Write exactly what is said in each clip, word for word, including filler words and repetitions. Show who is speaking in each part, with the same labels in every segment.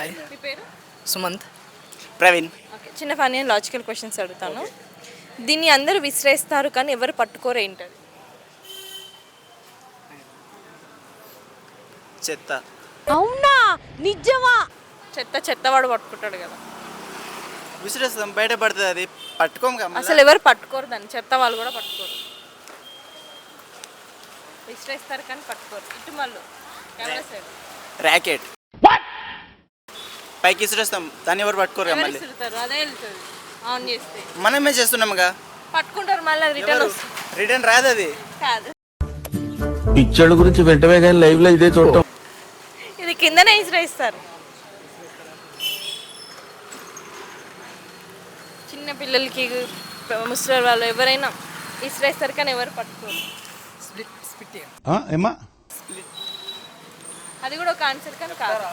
Speaker 1: Hi.
Speaker 2: మీ పేరు?
Speaker 1: Sumanth.
Speaker 3: Praveen.
Speaker 2: Okay, చిన్న ఫన్నీ అండ్ లాజికల్ క్వశ్చన్స్ అడుగుతాను. దీన్ని అందరూ విసిరేస్తారు కానీ ఎవరు పట్టుకోరు, ఏంటది?
Speaker 3: చెత్త.
Speaker 2: అవునా, నిజమా? చెత్త చెత్తవాడు పట్టుకుంటాడు కదా.
Speaker 3: విసిరేస్తాం, బయట పడుతుంది, అది పట్టుకోము కదా.
Speaker 2: అసలు ఎవరు పట్టుకోరు దాన్ని, చెత్త వాళ్ళు కూడా పట్టుకోరు. విసిరేస్తారు కానీ పట్టుకోరు. ఇటు మళ్ళు కెమెరా సైడ్.
Speaker 3: ర్యాకెట్. పైకి విసిరేస్తాం, దాన్ని ఎవరు పట్టుకోరు కదా. మళ్ళీ
Speaker 2: విసురుతారు, అదే వెళ్తుంది ఆన్ చేస్తే.
Speaker 3: మనమే చేస్తున్నాముగా.
Speaker 2: పట్టుకుంటారు, మళ్ళీ రిటర్న్ వస్తుంది.
Speaker 3: రిటర్న్ రాదు అది.
Speaker 2: కాదు,
Speaker 4: పిచ్చోళ్ళ గురించి వెంటనే కానీ లైవ్ లో ఇదే చూడటం.
Speaker 2: ఇది కిందనే విసిరేస్తారు. చిన్న పిల్లలకి, ముసలి వాళ్ళు ఎవరైనా విసిరేస్తారు కానీ ఎవరు పట్టుకోరు.
Speaker 1: స్ప్లిట్ స్ప్లిట్
Speaker 4: ఏమా
Speaker 2: అది కూడా ఒక ఆన్సర్ కానీ కాదు.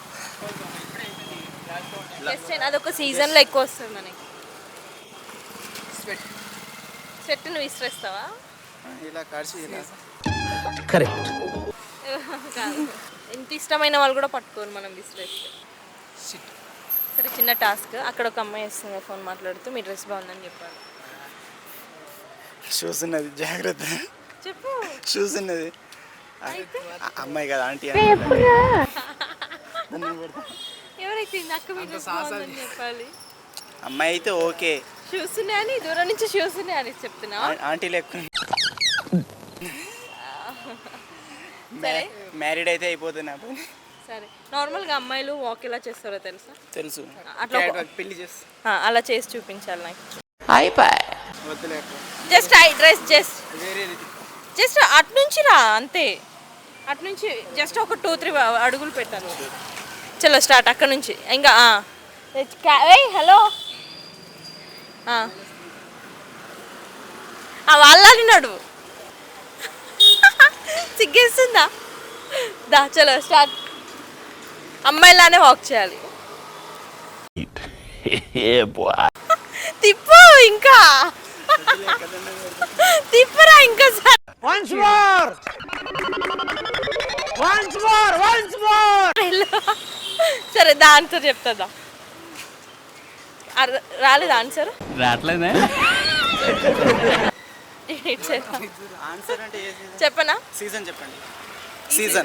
Speaker 2: అదొక సీజన్లో ఎక్కువ వస్తుంది మనకి.
Speaker 1: స్వెట్.
Speaker 2: చెట్టు నువ్వు విసిరేస్తావా?
Speaker 3: ఇలా కాల్చి ఇలా.
Speaker 4: కరెక్ట్.
Speaker 2: కాదు, ఇంత ఇష్టమైన వాళ్ళు కూడా పట్టుకోరు మనం విసిరేస్తే.
Speaker 1: సిట్.
Speaker 2: సరే, చిన్న టాస్క్. అక్కడ ఒక అమ్మాయి వస్తుంది ఫోన్ మాట్లాడుతూ, మీ డ్రెస్ బాగుందని చెప్పాలి.
Speaker 3: షూస్ ఉన్నది, జాగ్రత్త.
Speaker 2: చెప్పు.
Speaker 3: షూస్ ఉన్నది. అమ్మాయి కదా, ఆంటీ.
Speaker 2: ఎవరైతే అక్క మీ డ్రెస్ బాగుందని చెప్పాలి.
Speaker 3: అమ్మాయి అయితే ఓకే.
Speaker 2: షూస్ ఉన్నాయని, దూరం నుంచి షూస్ ఉన్నాయని చెప్తున్నా.
Speaker 3: ఆంటీ లెక్క.
Speaker 2: సరే,
Speaker 3: మ్యారీడ్ అయితే అయిపోతుంది నా పని.
Speaker 2: సరే, నార్మల్గా అమ్మాయిలు వాక్ ఎలా చేస్తారో తెలుసా?
Speaker 3: తెలుసు.
Speaker 2: అట్లా
Speaker 3: పెళ్లి చేసి
Speaker 2: అలా చేసి చూపించాలి నాకు.
Speaker 3: వద్దులే.
Speaker 2: జస్ట్ ఐ డ్రెస్ జస్ట్
Speaker 3: వేరే
Speaker 2: జస్ట్ అటు నుంచి రా, అంతే. అటు నుంచి జస్ట్ ఒక టూ త్రీ అడుగులు పెట్టాను. చలో స్టార్ట్ అక్కడ నుంచి. ఇంకా హలో వాళ్ళని నడువు. సిగ్గేస్తుందా? దా చలో స్టార్ట్. అమ్మాయిలానే వాక్ చేయాలి. తిప్పు ఇంకా, తిప్పరా ఇంకా.
Speaker 1: Once more once more once more
Speaker 2: సరే, దా ఆన్సర్ చెప్తుందా? రాలేదు ఆన్సర్?
Speaker 4: రావట్లేదే.
Speaker 3: ఆన్సర్ అంటే
Speaker 2: చెప్పనా?
Speaker 3: సీజన్ చెప్పండి. సీజన్.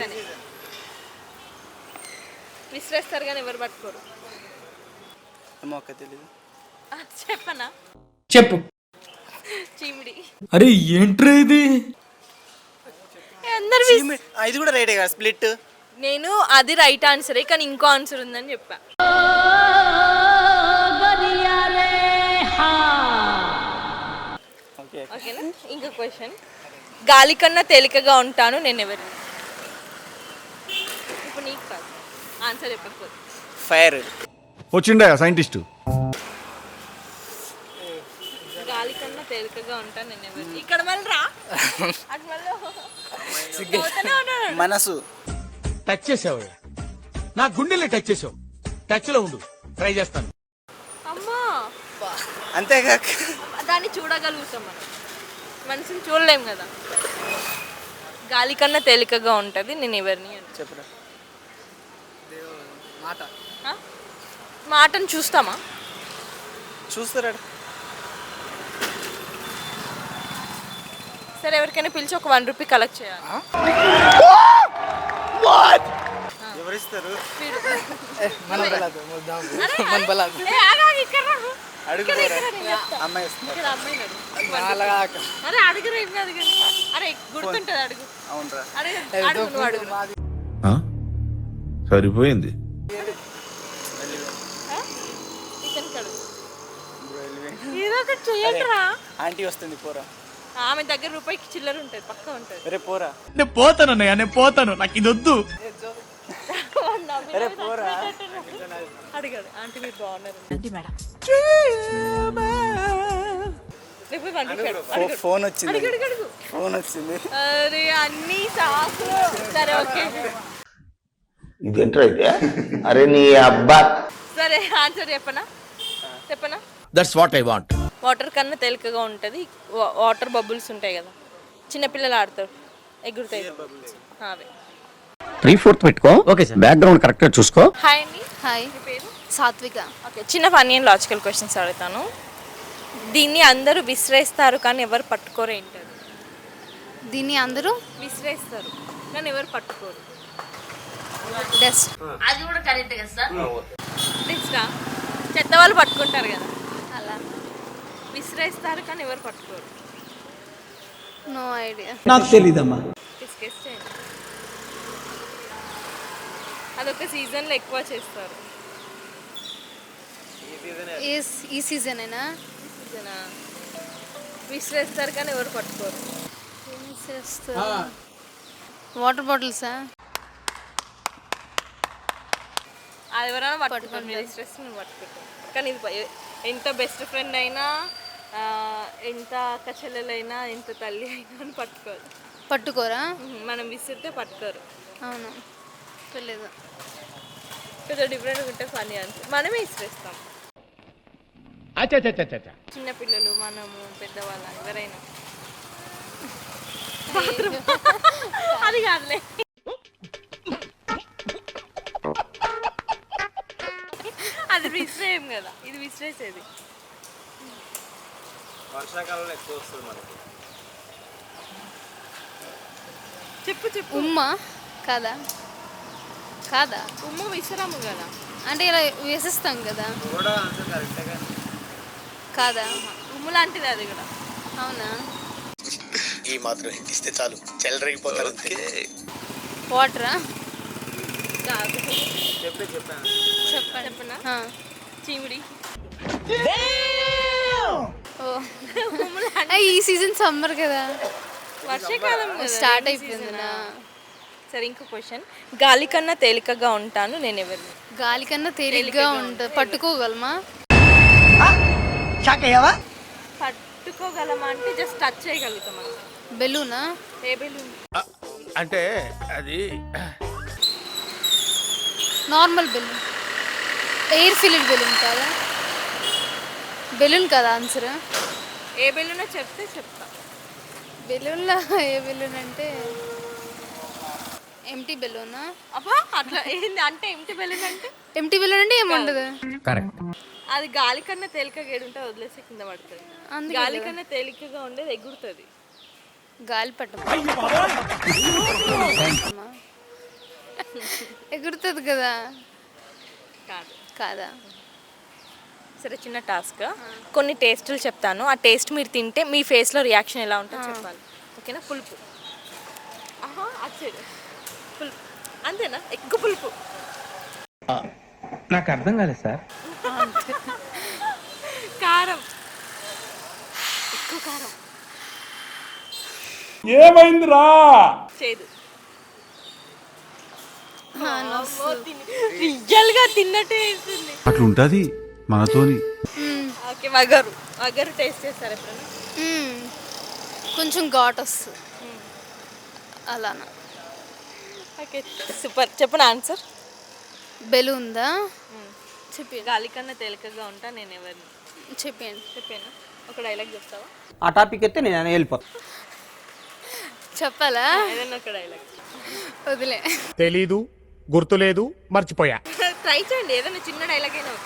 Speaker 2: విసిరేస్తారు కానీ ఎవరు పట్టుకోరు.
Speaker 3: ఏమో తెలీదు.
Speaker 2: చెప్పనా?
Speaker 1: చెప్పు.
Speaker 2: చీమిడి.
Speaker 1: అరే ఏంట్రా ఇది?
Speaker 2: అందరు
Speaker 3: ఇది కూడా రైటే కదా, స్ప్లిట్.
Speaker 2: నేను అది రైట్ ఆన్సరే, కానీ ఇంకో ఆన్సర్ ఉందని చెప్పా. ఓకేనా? ఇంకో క్వశ్చన్. గాలి కన్నా తేలికగా ఉంటాను, నేను ఎవరిని? ఇప్పుడు నీకు కాదు, ఆన్సర్ చెప్పకపోతే.
Speaker 3: ఫైర్.
Speaker 4: వచ్చిండా సైంటిస్ట్.
Speaker 2: గాలి కన్నా తేలికగా ఉంటాను, నేను ఎవరిని? ఇక్కడ మళ్ళీ రా. అటు మళ్ళీ
Speaker 3: మనసు.
Speaker 4: టచ్ చేసావు, నా గుండెల్ని టచ్ చేసావు. టచ్ లో ఉండు, ట్రై చేస్తాను.
Speaker 2: అమ్మా,
Speaker 3: అంతేగా.
Speaker 2: దాన్ని చూడగలుగుతాం మనం, మనసుని చూడలేం కదా. గాలి కన్నా తేలికగా ఉంటుంది, నేను ఎవరిని అని
Speaker 3: చెప్పరా.
Speaker 1: మాట.
Speaker 2: మాటను చూస్తామా?
Speaker 3: చూస్తారా?
Speaker 2: సరే, ఎవరికైనా పిలిచి ఒక వన్ రూపీ కలెక్ట్ చేయాలి.
Speaker 3: ఎవరిస్తారు?
Speaker 1: మన బలాదు మన బలాదు
Speaker 3: అడుగుతారా? అమ్మాయి వస్తుంది.
Speaker 2: అరే అడుగురా, ఏం కాదు కానీ. అరే గుర్తుంటుంది, అడుగు.
Speaker 3: అవునరా?
Speaker 2: అడుగు, నువ్వు అడుగు.
Speaker 4: సరిపోయింది.
Speaker 2: ఏదో ఒకటి చెయ్యండిరా.
Speaker 3: ఆంటీ వస్తుంది, పోరా.
Speaker 2: ఆమె దగ్గర రూపాయికి చిల్లర ఉంటుంది, పక్క ఉంటుంది.
Speaker 3: అరే పోరా.
Speaker 4: నేను పోతాను అన్నయ్య, నేను పోతాను, నాకు ఇది వద్దు.
Speaker 3: అరే పోరా.
Speaker 2: అడిగాడు, ఆంటీ మీరు బాగున్నారు.
Speaker 3: ఫోన్ వచ్చింది, ఫోన్ వచ్చింది.
Speaker 2: అరే అన్ని సాకులు. సరే ఓకే,
Speaker 4: ఇదేంట్రా అయితే? అరే నీ అబ్బా.
Speaker 2: సరే ఆన్సర్ చెప్పనా? చెప్పనా?
Speaker 4: That's what I want.
Speaker 2: Water కన్నా తేలికగా ఉంటుంది. వాటర్ బబుల్స్ ఉంటాయి కదా, చిన్నపిల్లలు ఆడతారు, ఎగురుతాయి అవే.
Speaker 5: త్రీ ఫోర్త్ పెట్టుకో ఓకే సార్ బ్యాక్గ్రౌండ్ కరెక్ట్ గా చూసుకో.
Speaker 2: హాయ్ అండి,
Speaker 6: హాయ్
Speaker 2: మీ పేరు?
Speaker 6: సాత్విక.
Speaker 2: ఓకే, చిన్న ఫన్నీ అండ్ లాజికల్ క్వశ్చన్స్ అడుగుతాను. దీన్ని అందరూ విసిరేస్తారు కానీ ఎవరు పట్టుకోరు ఏంటది?
Speaker 6: దీన్ని అందరూ
Speaker 2: విసిరేస్తారు కానీ ఎవరు పట్టుకోరు.
Speaker 6: డస్ట్.
Speaker 2: నెక్స్టా చెత్త వాళ్ళు పట్టుకుంటారు కదా,
Speaker 6: అలా
Speaker 2: విసిరేస్తారు కానీ ఎవరు పట్టుకోరు.
Speaker 6: No idea.
Speaker 1: నాకు తెలీదమ్మా.
Speaker 2: డిస్కస్ చేయండి. అదొక సీజన్లో ఎక్కువ చేస్తారు.
Speaker 6: ఏ ఈ సీజనేనా?
Speaker 2: సీజనా? విసిరేస్తారు కానీ ఎవరు పట్టుకోరు.
Speaker 6: వాటర్ బాటిల్సా?
Speaker 2: అది ఎవరైనా పట్టుకుంటారు, మీరు విసిరేస్తే నేను పట్టుకుంటాను. కానీ ఇది ప- ఎంత బెస్ట్ ఫ్రెండ్ అయినా ఆ, ఎంత అక్క చెల్లెలైనా ఎంత తల్లి అయినా అని పట్టుకోరు.
Speaker 6: పట్టుకోరా?
Speaker 2: మనం విసిరితే పట్టుకోరు.
Speaker 6: అవును, తెలియదు.
Speaker 2: కొంచెం డిఫరెంట్గా ఉంటే ఫనీ ఆన్సర్. మనమే విసిరేస్తాం.
Speaker 4: అచ్చా
Speaker 2: చిన్నపిల్లలు, మనము, పెద్దవాళ్ళ, ఎవరైనా. అది కాదులే. అది విసిరేయం కదా, ఇది విసిరేసేది.
Speaker 3: వర్షాకాలంలో ఎక్కువ వస్తుంది మనకి.
Speaker 2: చెప్పు చెప్పు.
Speaker 6: ఉమ్మా? కాదా? కాదా?
Speaker 2: ఉమ్ము విసరము కదా.
Speaker 6: అంటే ఇలా వేసేస్తాం కదా.
Speaker 3: కూడా అంతే కరెక్టే కానీ
Speaker 6: కాదా?
Speaker 2: ఉమ్ము లాంటిది అది కూడా.
Speaker 6: అవునా?
Speaker 7: ఈ మాత్రం ఇస్తే చాలు చెల్లరగిపోతారు అంతే.
Speaker 6: వాటరా?
Speaker 2: కాదు.
Speaker 3: చెప్పే చెప్పాను.
Speaker 6: చెప్పండి.
Speaker 2: చెప్పనా?
Speaker 6: ఆ.
Speaker 2: చీమిడి.
Speaker 6: ఓ ఆ, ఈ సీజన్ సమ్మర్ కదా,
Speaker 2: వర్షాకాలం కదా,
Speaker 6: స్టార్ట్
Speaker 2: rainy
Speaker 6: అయిపోయింది.
Speaker 2: season ఆ. సరే, ఇంకో క్వశ్చన్. గాలి కన్నా తేలికగా ఉంటాను నేను ఎవరిని?
Speaker 6: గాలి కన్నా తేలిగ్గా ఉంటుంది. పట్టుకోగలమా?
Speaker 2: పట్టుకోగలమా అంటే జస్ట్ టచ్ చేయగలుగుతాం మనం.
Speaker 6: బెలూనా?
Speaker 2: ఏ బెలూన్?
Speaker 4: అంటే అది
Speaker 6: normal balloon. Air filled balloon కాదా? బెలూన్ కదా ఆన్సర్?
Speaker 2: ఏ బెలూనో చెప్తే చెప్తా.
Speaker 6: బెలూన్లో ఏ బెలూన్ అంటే ఎంటీ బెలూనా?
Speaker 2: అబ్బా, అట్లా ఏంది అంటే ఎంటి బెలూన్ అంటే?
Speaker 6: ఎంటీ బెలూన్ అంటే ఏముండదు.
Speaker 5: కరెక్ట్.
Speaker 2: అది గాలి కన్నా తేలికగా ఏడుంటే వదిలేసి కింద పడుతుంది.
Speaker 6: అందుకే
Speaker 2: గాలి కన్నా తేలికగా ఉండేది ఎగురుతుంది.
Speaker 6: గాలి పట్టం ఎగురుతుంది కదా.
Speaker 2: కాదు.
Speaker 6: కాదా?
Speaker 2: సరే, చిన్న టాస్క్. కొన్ని టేస్టులు చెప్తాను. ఆ టేస్ట్ మీరు తింటే మీ ఫేస్లో రియాక్షన్ ఎలా ఉంటుందో చెప్పాలి. ఓకేనా? పులుపు. ఆహా, అచ్చేది పులుపు. అంతేనా? ఎక్కువ పులుపు.
Speaker 1: నాకు అర్థం కాలేదు సార్.
Speaker 2: కారం. ఎక్కువ కారం.
Speaker 4: ఏమైందిరా?
Speaker 2: చేదు. రియల్ గా తిన్నట్టే వేస్తుంది.
Speaker 8: అట్లుంటది మనతోని.
Speaker 2: ఓకే, వగరు. వగరు టేస్ట్ చేస్తారు ఎప్పుడైనా?
Speaker 6: మ్మ్. కొంచెం ఘాట్ వస్తుంది అలానా.
Speaker 2: Okay, super. చెప్పిన ఆన్సర్.
Speaker 6: బెలూన్దా? చెప్పి
Speaker 2: గాలి కన్నా తేలికగా ఉంటా నేను ఎవరిని?
Speaker 6: చెప్పండి.
Speaker 2: చెప్పాను. ఒక డైలాగ్ చెప్తావా?
Speaker 1: ఆ టాపిక్ అయితే నేను వెళ్ళిపోతా.
Speaker 6: చెప్పాలా?
Speaker 2: ఏదైనా ఒక డైలాగ్.
Speaker 6: వదిలే.
Speaker 4: తెలీదు, గుర్తులేదు, మర్చిపోయా.
Speaker 2: ట్రై చేయండి, ఏదైనా చిన్న డైలాగ్ అయినా.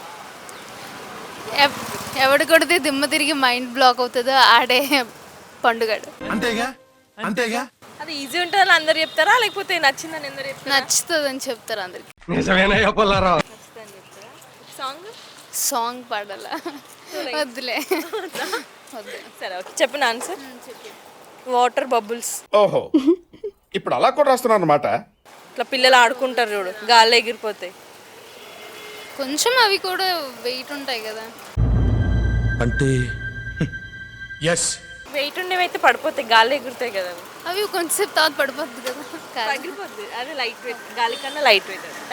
Speaker 6: ఎవ్- ఎవడు కొడితే దిమ్మ తిరిగి మైండ్ బ్లాక్ అవుతుందో ఆడే పండుగడు.
Speaker 8: అంతేగా అంతేగా.
Speaker 2: అది ఈజీ ఉంటుందని అందరు చెప్తారా, లేకపోతే నచ్చిందని అందరు చెప్తారా?
Speaker 6: నచ్చుతుంది అని చెప్తారు అందరికి.
Speaker 4: నిజమేనా చెప్పాలరా?
Speaker 2: నచ్చుతుందని చెప్తారా? సాంగ్.
Speaker 6: సాంగ్ పాడాలా? వద్దులే. వద్దు.
Speaker 2: సరే, ఓకే. చెప్పిన ఆన్సర్. Water bubbles.
Speaker 9: ఓహో, ఇప్పుడు అలా కూడా రాస్తున్నాను అనమాట.
Speaker 2: ఇట్లా పిల్లలు ఆడుకుంటారు చూడు, గాల్లో ఎగిరిపోతాయి.
Speaker 6: కొంచెం అవి కూడా వెయిట్ ఉంటాయి కదా.
Speaker 8: అంటే
Speaker 4: ఎస్.
Speaker 2: వెయిట్ ఉండేవి అయితే పడిపోతాయి, గాల్లో ఎగురుతాయి కదా అవి.
Speaker 6: అవి కొంచెంసేపు తర్వాత పడిపోద్ది కదా. కాదు.
Speaker 2: పగిలిపోద్ది. అది లైట్ వెయిట్, గాలి కన్నా లైట్ వెయిట్.